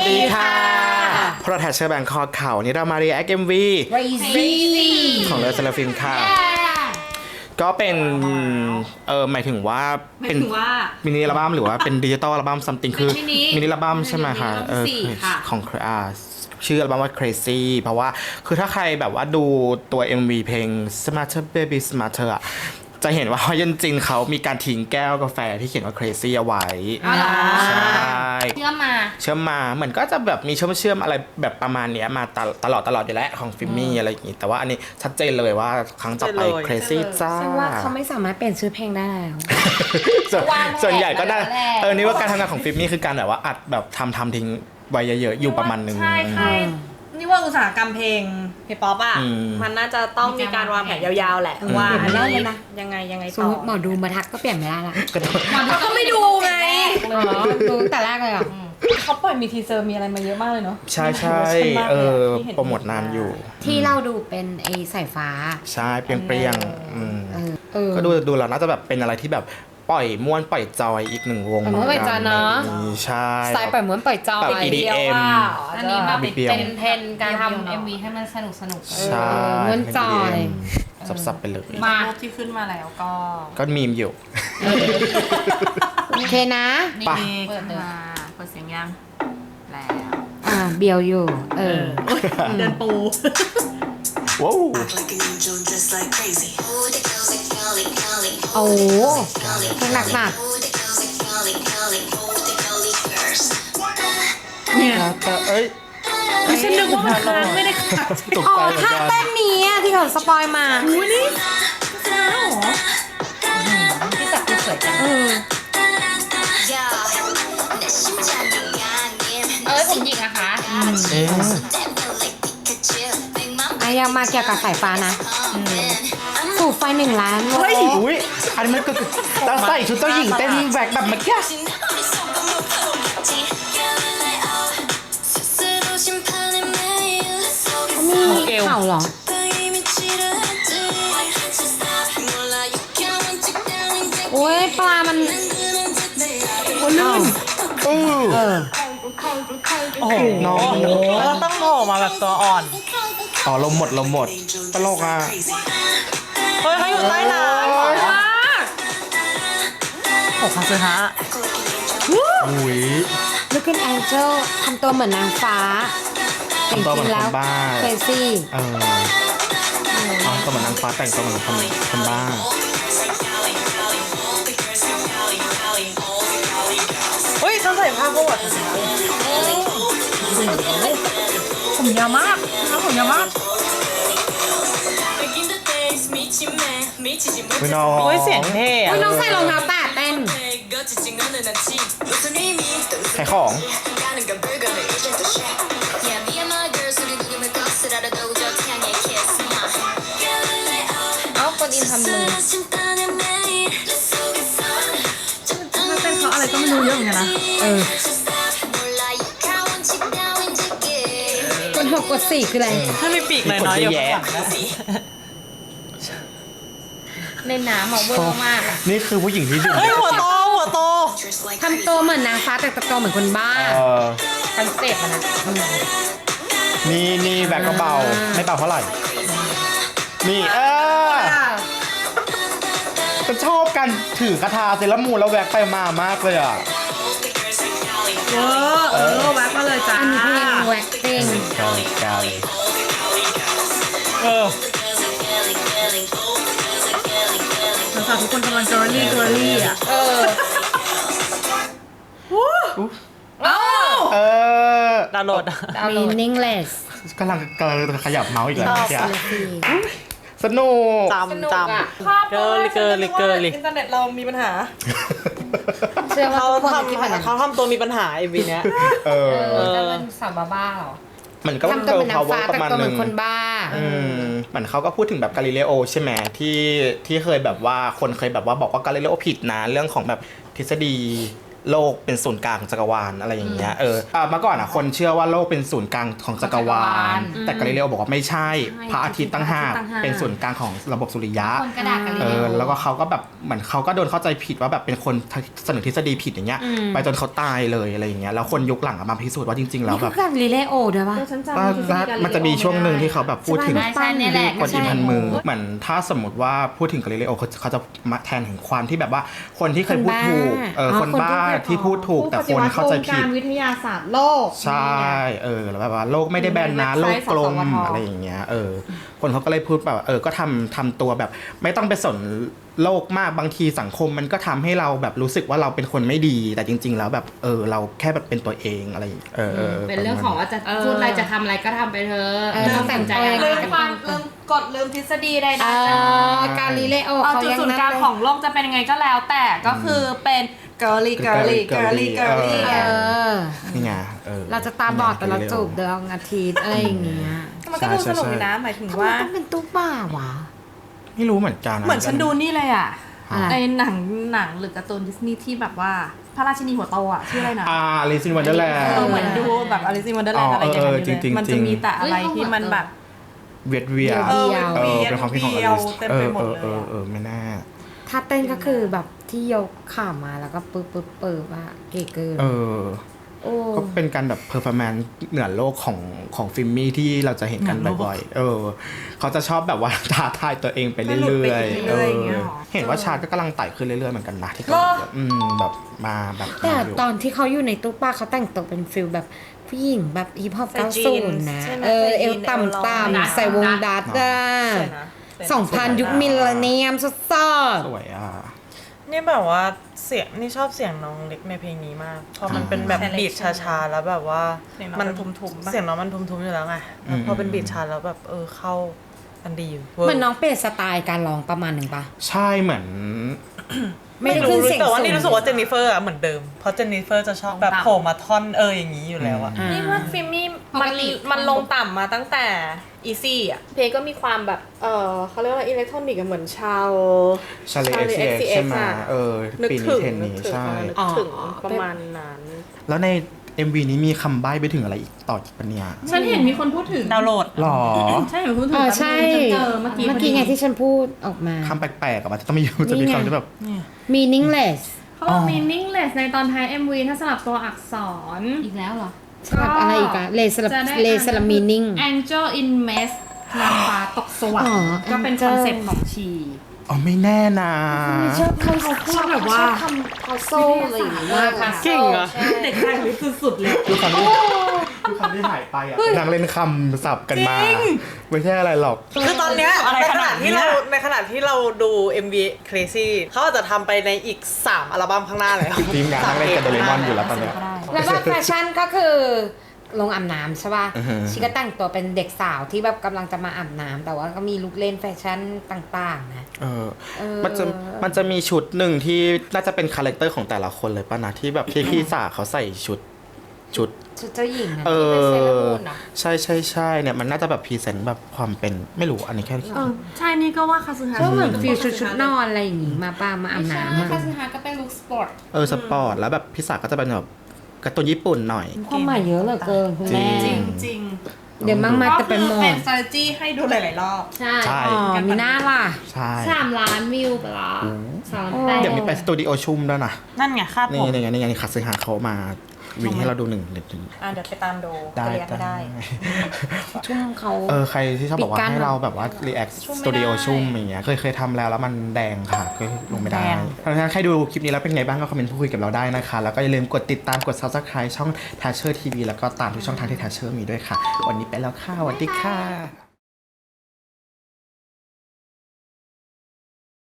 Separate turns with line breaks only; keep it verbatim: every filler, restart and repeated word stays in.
ดีค่ะพระแทชเชอร์แบงคอกเขานี่เรามารีแอคเอ็มวี
Crazy
ของเลอเซลฟิล์มค่ะก็เป็นเออหมายถึงว่าเป็นมินิอัลบั้มหรือว่าเป็นดิจิตอลอัลบั้มซัมติงคือมินิอัลบั้มใช่ไหมคะเออของอ่าชื่ออัลบั้มว่า Crazy เพราะว่าคือถ้าใครแบบว่าดูตัว เอ็ม วี เพลง Smarter Baby Smarter อ่ะจะเห็นว่าจริงๆเขามีการทิ้งแก้วกาแฟที่เขียนว่า Crazy เอาไว้ใช่
เชื่อมมา
เชื่อมมาเหมือนก็จะแบบมีเชื่อมเชื่อมอะไรแบบประมาณเนี้ยมาตลอดตลอดอยู่แล้วของฟิมมี่อะไรอย่างงี้แต่ว่าอันนี้ชัดเจนเลยว่าครั้งต่อไป Crazy จ้า
ฉันว่าเขาไม่สามารถเปลี่ยนชื่อเพลงได้แล้ว
ส่วนส่วนใหญ่ก็ได้เออนี่ว่าการทำงานของฟิมมี่คือการแบบว่าอัดแบบทำทำทิ้งไว้เยอะๆอยู่ประมาณนึง
ใช่ใช่นี่ว่าอุตสาหกรรมเพลงเพลงป๊อปอ่ะมันน่าจะต้องมีการวางแผนยาวๆแหละว่าอันนี้ยังไงยังไงต่อ
สมมติหมอดูมาทักก็เปลี่ยนไม่ได้ละ
เขาก็ไม่ดูไง
ดูแต่แรกเลยอ่ะ
เขาปล่อยมีทีเซอร์มีอะไรมาเยอะมากเลยเนาะ
ใช่ใช่เออโปรโมทนานอยู่
ที่เราดูเป็นไอ้สายฟ้า
ใช่เปรี้ยงๆก็ดูดูแล้วน่าจะแบบเป็นอะไรที่แบบปล่อยม้วนปล่อยจอยอีกหนึ่งวง
ม้วนปล่อยจอยเนาะ
ใช่
สไตล์ปล่อยม้วนปล่อยจอย
แบบ อี ดี เอ็ม
อันนี้แบบเป็นเทรนการทำ เอ็ม วี ให้มันสนุกสนุก
ใช่
ม้วนจอย
สับๆไปเลย
มารูปที่ขึ้นมาแล้วก็
ก็มีมอยู่
โอเคนะ
ไปเปิดมาเปิดเสียงยังแล้ว
อ่าเบียวอยู่เออ
เดินปู
ว้าว
โอ้เพลงหนักหนัก
เนี่ย
เอ้ย
ฉันนึกว่ามันค้างไม่ได้ค้าง
ตก
อ๋อ
ใจเหมือน
ท่า
กัน
เต้นนี้ที่เขาสปอยมา
อุ้ยนี่ค้างเหรอที่จับที่สวยจัง
เออ
เอ้ยผมหยิกนะคะ
เอ๊ะ
อ่ะยังมาเกี่ยวกับสายฟ้านะสูบไฟหนึ่งล้าน
เฮ้ยอุ้ยอันนี้มันก็เราใส่ชุดเจ้าหญิงเต้นแหวกแบบเมื่อกี้
นี่เข่าเหรอโอ้ยปลามัน
โอ้ลื่นเออ
เออ
โอ้โหน้องต้องโผล่มาแบบตัวอ่อน
อ๋อลมหมดลมหมดตลกอ่ะ
เฮ้ยเขาอยู่ใต้น้ำว้าโอ้คาซึฮะ
อุ้ย
Looking Angel ทำตัวเหมือนนางฟ้า
ทำตัวเหมือนคนบ้า
เฟซี่
เอออ๋อตัวเหมือนนางฟ้าแต่งตัวเหมือนคนคนบ้า
เฮ้ยเขาใส่ผ้าโบดผมยาวมากนะผมยาวมาก
พี่น้อง
โอ้ยเสียงเท่อะ
น้องใส่รองเท้าแตะเต้น
ขายของ
เอ้าคนอินทำมือ
มาเต้นเขาอะไรก็ไม่รู้เยอะเหมือนกันนะ
เออ กดหกกดสี่คืออะไร
ถ้ามีปีกหน่อยๆอยู่ข้างหลัง
ในน้ำอ่ะเวอร์มากอ่ะ
นี่คือผู้หญิงที่ดื่ม
เฮ้ยหัวโตหัวโต
ทำตัวเหมือนนางฟ้าแต่ตะโกนเหมือนคนบ้า
คอนเซ็ปต์มันนะ
นี่นี่แบกก็เบาไม่เบาเท่าไหร่นี่เออจะชอบกันถือกระทาเซรามูนแล้วแบกไปมามากเลยอ่ะ
เออเออแว็กมาเลยจ้า
อันนี้เพลงแว็กเพลง
กาลิกาลิ
เออสาวทุกคนกำลังเจอรี่เจอรี่อ่ะ
เออ
เออ
ดาวน์โหลด
มีนิ่งเลส
กำลังกำลังขยับเมาส์อีกแล้วเนี่ยสนุก
จำจำเกิร์ลเกิร์ลเกิร์ลอินเทอร์เน็ตเรามีปัญหา
เชื่อว่า
เขาทำเขาทำตัวมีปัญหาไอวีเนี้ย
เออ
จะเป็นสาวบ้าหรอ
เหมือนก็เป็นเกิร์ลพาวเวอร์ประมาณนึง
คนบ้า
อืมเหมือนเขาก็พูดถึงแบบกาลิเลโอใช่ไหมที่ที่เคยแบบว่าคนเคยแบบว่าบอกว่ากาลิเลโอผิดนะเรื่องของแบบทฤษฎีโลกเป็นศูนย์กลางของจักรวาลอะไรอย่างเงี้ยเอออ่ะเมื่อก่อนอ่ะคนเชื่อว่าโลกเป็นศูนย์กลางของจักรวาลแต่กาลิเลโอบอกว่าไม่ใช่พระอาทิตย์ตั้งหากเป็นศูนย์กลางของระบบสุริยะ
คนกระดาษกันเล
เอย อแล้วก็เขาก็แบบเหมือนเขาก็โดนเข้าใจผิดว่าแบบเป็นคนเสนอทฤษฎีผิดอย่างเงี้ยไปจนเขาตายเลยอะไรอย่างเงี้ยแล้วคนยุคหลังอะมาพิสูจน์ว่าจริงๆแล้ว
นี่
แบ
คือบ กาลิเลโอด้วยปะ
ฉันจำ
ว่า
ทฤษฎีกาลิเลโอ
มันจะมีช่วงหนึ่งที่เขาแบบพูดถึง
ใช่ใช่เนี่ยแหละ
คนอินพันมือเหมือนถ้าสมมติว่าพูดถึงกาลิเลโอเขาเขาจะมาแทนถึงความที่แบบว่าคนที่เคยพูดถูกเออคนบ้าที่พูดถูกแต่คนเข้าใจผิด
การวิทยาศาสตร์โลก
ใช่เออแล้วแบบว่าโลกไม่ได้แบนนะโลกกลมอะไรอย่างเงี้ยเออคนเขาก็เลยพูดแบบเออก็ทำทำตัวแบบไม่ต้องไปสนโลกมากบางทีสังคมมันก็ทำให้เราแบบรู้สึกว่าเราเป็นคนไม่ดีแต่จริง ๆ แล้วแบบเออเราแค่แบบเป็นตัวเองอะไรอย่างเงี้ยเออเออ
เป็นเรื่องของว่าจะพูดอะไรจะทำอะไรก็ทำไปเถอะ
เออ
ไม่ต้องสนใจอะไร
ลืม
กัน
ความลืมกฎลืมทฤษฎีใด
เอ
ๆ
อ กาลิเลโอ
เอา
เขา
จุด
ยัง
ศูนย์
นั่น
กลาง
เลย
ของโลกจะเป็นยังไงก็แล้วแต่ก็คือเป็น girly girly girly girly
เออ
นี่ไงเออ
เราจะตาบอดแต่เราจูบดวงอาทิตย์อะไรอย่างเงี้ย
มันก็ดูสนุกดีนะหมายถึง
ทำไม
ว่า
ต้องเป็นตุ๊กบ้าวะ
ไม่รู้เหมือนกัน
เหมือนฉันดูนี่เลยอ่ะ
อะไร
ในหนังหนังหรือการ์ตูนดิสนีย์ที่แบบว่าพระราชินีหัวโตอ่ะชื่ออะไรนะ
อ่าลิซินวันเดอร์แลน
เอ
ด์
อเหมือนดูแบบอลิซินวันเดอร์แลนด์อะไรอย่าง
เอ
เงี้
อย จริงๆ
มันจะมีแต่อะไรที่มันแบบ
เวียดเวีย
เดียว
เออเป็นความคิดของอลิส
เต็ม
เอ
ไป
อ
หม
เอ
ด
อ
เลย
เออเออไม่น่า
ถ้าเต้นก็คือแบบที่ยกขามาแล้วก็ปึ๊บปึ๊บปึ๊บอะเก๋เกิน
เออ
โอ้
ก็เป็นการแบบเพอร์ฟอร์แมนซ์เหนือโลกของของฟิล์มมี่ที่เราจะเห็นกันบ่อยๆ เออ เขาจะชอบแบบว่า ท้าทายตัวเองไปเรื่อยๆ เออ เห็นว่าชาร์ตก็กำลังไต่ขึ้นเรื่อยๆ เหมือนกันนะที่เขาอืมแบบมาแบบ
แต่
มาอยู่
ตอนที่เขาอยู่ในตู้ป้าเขาแต่งตัวเป็นฟิลแบบผู้หญิงแบบฮิปฮอป
ใส่
เก้า
จี
ศู
น
นย์นะ
ใช่ไหม
เออ
ใส่
เอ
จี
วน ต่ำ
เอวลอย
ต่ำใส่วงดัดอะ
สวยนะ
สองพันยุคมิลเลนเนียมสด
สวยอ่ะ
นี่แบบว่าเสียงนี่ชอบเสียงน้องเล็กในเพลงนี้มากเพราะมันเป็นแบบ
Selection
บีทช้าๆแล้วแบบว่า
เสียงน้อง
มั
มันทุ้มๆปะ
เสียงน้องมันทุ้มๆอยู่แล้วไงแล้วพอเป็นบีทช้าแล้วแบบเออเข้ากันดีอยู่
ๆเหมือนน้องเปลี่ยนสไตล์การร้องประมาณหนึ่งปะ
ใช่เหมือน
ไม่ได้
ไม่
ขึ้
รู้
นเสียง
แต่ว่า
สูง
นี่รู้สึกว่าเจนนิเฟอร์อะเหมือนเดิมเพราะเจนนิเฟอร์จะชอบแบบโผล่มาท่อนเอออย่างนี้อยู่แล้วอะ
อ่า
นี่ว่าฟิล์มมี่
ป
มั
ก
น
ติ
มันลงต่ำมาตั้งแต่อีซี่อ่ะเพลงก็มีความแบบเออเขาเรียกว่าอิเล็กทรอนิกส์เหมือนชาว
ชาเลเอ็กซ์
Charli
ใช่ไหม
อะ
เออ
นึก
ปี
ถึ
นี้
ง
เทน
นึก
นี้
ถึง
ใช่
นึกถึงประมาณนั้น
แล้วใน เอ็ม วี นี้มีคำใบ้ไปถึงอะไรอีกต่ออีกปะเนี่ย
ฉันเห็นมีคนพูดถึง
ดาวน์โหลด
หรอ
ใช่เห็นพูดถึง
เออใช่
ฉันเจอเมื่อกี้
เมื่อกี้ไงที่ฉันพูดออกมา
คำแปลกๆอะมันจะต้องมีอยู่จะมี
นี่ไง
คำที่แบบ
meaningless
เขาบอก meaningless ในตอนท้าย เอ็ม วี ถ้าสลับตัวอักษร
อีกแล้วเหรอ
สลับอะไรอีกอะเลสลับ
จะได้
เลสลับ meaning
Angel in Mess นางฟ้าตกสวรร
อ๋อ
ค์ก็เป็นค
Angel
อนเซ็ปต์ของชี
อ๋อไม่แน่นะ
ชอบคำเขาพูดแบบว่าคำเขาโซ่อะไรอย่างเงี้ย
เก่งอะ
เด็กไทยลิสุดๆเลย
ดูคำที่ดูคำที่หายไปอ่ะนางเล่นคำสับกันมา ไม่ใช่อะไรหรอก
คือตอนเนี้ยอะไรในขข นา นาดดที่ที่เราเราในขนาดที่เราดู เอ็ม วี Crazy เขาอาจจะทำไปในอีกสามอัลบั้มข้างหน้าแล้ว
ทีมงานนั่งเล่นกับโดเรมอนอยู่แล้วตอนเนี้ย
แล้วก็แฟชั่นก็คือลงอาบน้ำใช่ป่ะ
อือฮึ
ชีก็แต่งตัวเป็นเด็กสาวที่แบบกำลังจะมาอาบน้ำแต่ว่าก็มีลุคเล่นแฟชั่นต่างๆนะ
เออ
เออ
มันจะมันจะมีชุดหนึ่งที่น่าจะเป็นคาแรคเตอร์ของแต่ละคนเลยป่ะนะที่แบบที่พี่สาเขาใส่ชุดชุด
ชุดเจ้าหญิงนะ
เอ
ที่เป็นเซเลอ
อ
รามูนเหรอ
ใช่ใช่ใช่เนี่ยมันน่าจะแบบพรีเซนต์แบบความเป็นไม่รู้อันนี้แค่
เออใช่นี่ก็ว่าคาซึฮะ
ก็เหมือนฟิลชุดชุดนอนอะไรอย่างงี้มาป้ามาอาบ
ไม่ใช่
น้ำอะ
คาสึฮะก็เป็นลุคสปอร์ต
เออสปอร์ตแล้วแบบพี่สาก็จะเป็นแบบการ์ตูนญี่ปุ่นหน่อย
ความหมายเยอะเหลือเกินคุณแม่
จริงจริง
เดี๋ยวมั่งมา
ก็
จะเป็น
คือ
หม
เป็น
ด
strategy ให้ดูหลายๆรอบ
ใช่
ใช่
อ๋อมีหน้าล่ะ
ใช่
สามล้านวิวไปละสามล้านแปด
เดี๋ยวมีไปสตูดิโอชุ่มด้วยนะ
นั่นไงคาดผ
นี่
ม
นี่ไงนี่ไงนี่คัตสึฮาเขามาวิ่งให้เราดูหนึ่งหนึ่งหนึ่ง
อ่ะเดี๋ยวไปตามดู
ได้
เรียกไม่ได้
ชุ่มเขา
เออใครที่ชอบบอกว่า
ปิดกั้น
ให้เราแบบว่า react
ชุ่มไม่
สตูดิโอ
ได้
ชุ่มอย่างเงี้ยเคยเคยทำแล้วแล้วมันแดงค่ะก็ลงไม่ได้
แดง
เพราะฉะนั้นใครดูคลิปนี้แล้วเป็นไงบ้างก็คอมเมนต์พูดคุยกับเราได้นะคะ แล้วก็อย่าลืมกดติดตามกด subscribe ช่อง Thatcher ที วี แล้วก็ตามทุกช่องทางที่ Thatcher มีด้วยค่ะ วันนี้ไปแล้วค่ะสวัสดีค่ะ